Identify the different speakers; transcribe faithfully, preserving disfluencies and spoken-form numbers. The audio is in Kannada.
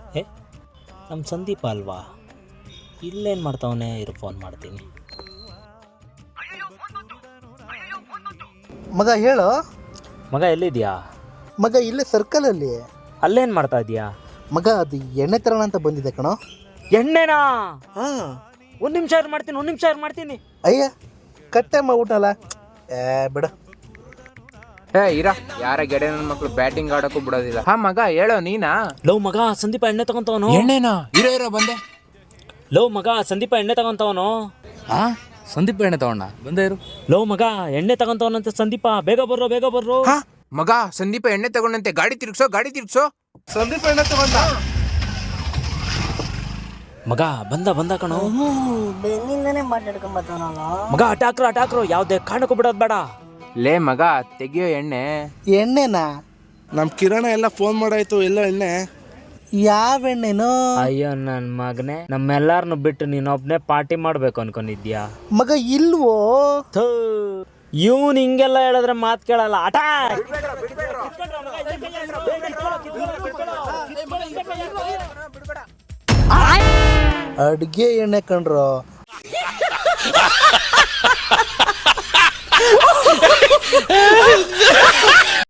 Speaker 1: ಏ ನಮ್ಮ ಸಂದೀಪ ಅಲ್ವಾ, ಇಲ್ಲೇನು ಮಾಡ್ತಾವನೆ, ಇರು ಫೋನ್ ಮಾಡ್ತೀನಿ.
Speaker 2: ಮಗ ಹೇಳು.
Speaker 1: ಮಗ ಎಲ್ಲಿದ್ಯಾ?
Speaker 2: ಮಗ ಇಲ್ಲೇ ಸರ್ಕಲಲ್ಲಿ.
Speaker 1: ಅಲ್ಲೇನು ಮಾಡ್ತಾ ಇದೀಯಾ?
Speaker 2: ಮಗ ಅದು ಎಣ್ಣೆ ತರೋಣ ಅಂತ ಬಂದಿದೆ ಕಣೋ.
Speaker 1: ಎಣ್ಣೆನಾ?
Speaker 2: ಹಾಂ,
Speaker 1: ಒಂದು ನಿಮಿಷ ಇರು ಮಾಡ್ತೀನಿ, ಒಂದು ನಿಮಿಷ ಇರು ಮಾಡ್ತೀನಿ.
Speaker 2: ಅಯ್ಯ ಕಟ್ಟೆ ಮಾಡ್ಬಿಟ್ಟಲ್ಲ. ಏ ಬಿಡು.
Speaker 3: ಹೇ ಇರ, ಯಾರ ಗೆಡೆ ನನ್ನ ಮಕ್ಳು ಬ್ಯಾಟಿಂಗ್ ಆಡೋಕ್ಕೂ ಬಿಡೋದಿಲ್ಲ. ಹಾ ಮಗ ಹೇಳೋ, ನೀನಾ?
Speaker 1: ಲವ್ ಮಗ ಸಂದೀಪ ಎಣ್ಣೆ ತಗೊಂತವನು.
Speaker 3: ಎಣ್ಣೆನಾ? ಇರೋ ಇರೋ ಬಂದೆ.
Speaker 1: ಲವ್ ಮಗ ಸಂದೀಪ ಎಣ್ಣೆ ತಗೊಂತವನು.
Speaker 3: ಹಾ ಸಂದೀಪ ಎಣ್ಣೆ ತಗೊಂಡ ಬಂದೆ ಇರು.
Speaker 1: ಲವ್ ಮಗ ಎಣ್ಣೆ ತಗೊಂತವನಂತೆ ಸಂದೀಪ, ಬೇಗ ಬರ್ರೋ ಬೇಗ ಬರ್ರೋ.
Speaker 3: ಹಾ ಮಗ ಸಂದೀಪ ಎಣ್ಣೆ ತಗೊಂಡಂತೆ, ಗಾಡಿ ತಿರ್ಗ್ಸೋ ಗಾಡಿ ತಿರ್ಗ್ಸೋ.
Speaker 2: ಸಂದೀಪ ಎಣ್ಣೆ ತಗೊಂಡ.
Speaker 1: ಮಗ ಬಂದ ಬಂದ ಕಣೋ.
Speaker 4: ಬೆನ್ನಿಂದನೇ ಮಾತಾಡ್ಕೊಂಬತ್ತವನಲ್ಲ.
Speaker 1: ಮಗ ಅಟಾಕ್ರು ಅಟಾಕ್ರು, ಯಾವುದೇ ಕಾರಣಕ್ಕೂ ಬಿಡೋದು ಬೇಡ.
Speaker 3: ಲೇ ಮಗ ತೆಗಿಯೋ ಎಣ್ಣೆ.
Speaker 2: ಎಣ್ಣೆನಾ? ನಮ್ಮ ಕಿರಣ ಎಲ್ಲ ಫೋನ್ ಮಾಡಾಯ್ತು, ಎಲ್ಲ ಎಣ್ಣೆ. ಯಾವ ಎಣ್ಣೆನೋ?
Speaker 1: ಅಯ್ಯೋ ನನ್ನ ಮಗನೇ, ನಮ್ಮೆಲ್ಲಾರನ್ನು ಬಿಟ್ಟು ನೀನೊಬ್ನೇ ಪಾರ್ಟಿ ಮಾಡ್ಬೇಕು ಅನ್ಕೊಂಡಿದ್ಯಾ?
Speaker 2: ಮಗ ಇಲ್ವೋ?
Speaker 1: ಇವನ್ ಹಿಂಗೆಲ್ಲ ಹೇಳಿದ್ರೆ ಮಾತು ಕೇಳಲ್ಲ. ಅಟಾಕ್!
Speaker 2: ಅಡ್ಗೆ ಎಣ್ಣೆ ಕಂಡ್ರು.